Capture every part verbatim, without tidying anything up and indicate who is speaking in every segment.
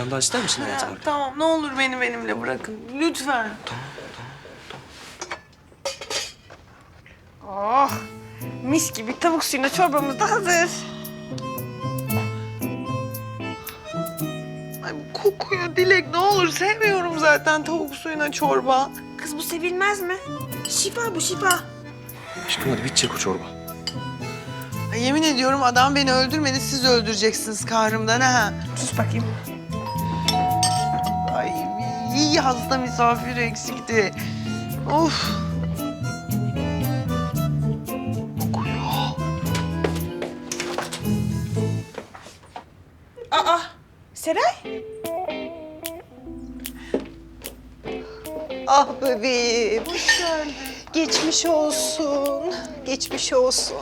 Speaker 1: tane daha ister misin hayatım?
Speaker 2: Ya, tamam ne olur beni benimle bırakın. Lütfen.
Speaker 1: Tamam, tamam,
Speaker 2: Oh, mis gibi tavuk suyuna çorbamız da hazır. Ay bu kokuyor Dilek, ne olur, sevmiyorum zaten tavuk suyuna çorba.
Speaker 3: Kız bu sevilmez mi? Şifa bu şifa.
Speaker 1: Aşkım hadi bitecek o çorba.
Speaker 2: Ay, yemin ediyorum adam beni öldürmedi, siz öldüreceksiniz kahrımdan ha.
Speaker 3: Sus bakayım.
Speaker 2: Ay iyi hasta misafir eksikti. Of. Kokuyor.
Speaker 3: Aa, Seray.
Speaker 4: Ah bebeğim. Hoş geldin. Geçmiş olsun. Geçmiş olsun.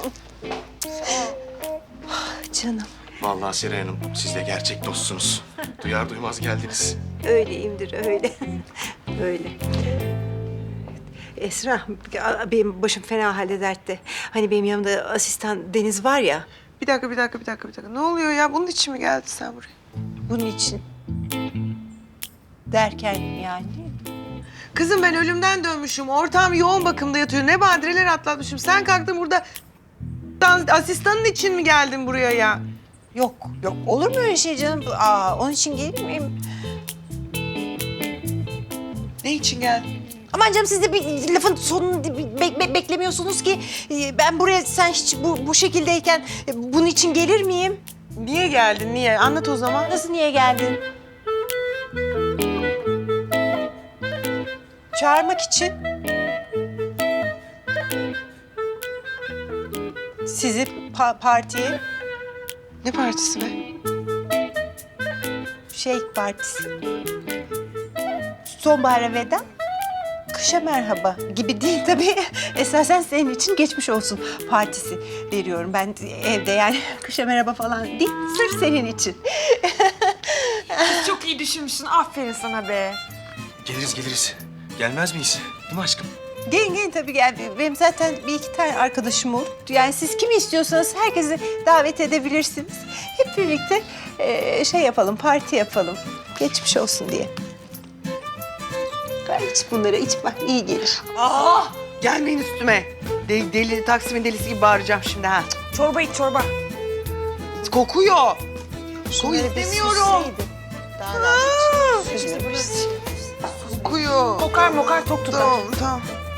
Speaker 4: Ah, canım.
Speaker 1: Vallahi Seray Hanım, siz de gerçek dostsunuz. Duyar duymaz geldiniz.
Speaker 4: Öyleyimdir öyle. Öyle. Esra, benim başım fena halde dertte. Hani benim yanımda asistan Deniz var ya.
Speaker 2: Bir dakika, bir dakika, bir dakika, bir dakika. Ne oluyor ya? Bunun için mi geldin sen buraya?
Speaker 4: Bunun için. Derken yani.
Speaker 2: Kızım ben ölümden dönmüşüm. Ortağım yoğun bakımda yatıyor. Ne badireler atlatmışım. Sen kalktın burada dans- asistanın için mi geldin buraya ya?
Speaker 4: Yok, yok. Olur mu öyle şey canım? Aa, onun için gelir miyim?
Speaker 2: Ne için geldin?
Speaker 4: Aman canım siz de bir lafın sonunu be- be- beklemiyorsunuz ki. Ee, Ben buraya sen hiç bu, bu şekildeyken e, bunun için gelir miyim?
Speaker 2: Niye geldin? Niye? Anlat o zaman.
Speaker 4: Nasıl niye geldin? Çağırmak için. Sizi pa- partiye,
Speaker 2: Ne partisi be?
Speaker 4: şey partisi. Sonbahara veda, kışa merhaba gibi değil tabii. Esasen senin için geçmiş olsun partisi veriyorum. Ben evde yani kışa merhaba falan değil, sırf senin için.
Speaker 3: Çok iyi düşünmüşsün. Aferin sana be.
Speaker 1: Geliriz geliriz. Gelmez miyiz? Değil mi aşkım?
Speaker 4: Gelin gelin tabii gel. Benim zaten bir iki tane arkadaşım olur. Yani siz kimi istiyorsanız herkesi davet edebilirsiniz. Hep birlikte eee, şey yapalım, parti yapalım. Geçmiş olsun diye. Ver iç bunları, iç bak iyi gelir.
Speaker 2: Aa! Gelmeyin üstüme. Deli, deli, Taksim'in delisi gibi bağıracağım şimdi ha.
Speaker 3: Çorba iç çorba.
Speaker 2: Kokuyor. Koku
Speaker 4: Şunları bir
Speaker 2: istemiyorum.
Speaker 4: süsleydin. Daha rahat iç. Süsle,
Speaker 2: Kokuyor.
Speaker 3: Kokar mokar tok tutar.
Speaker 2: Tamam, tamam.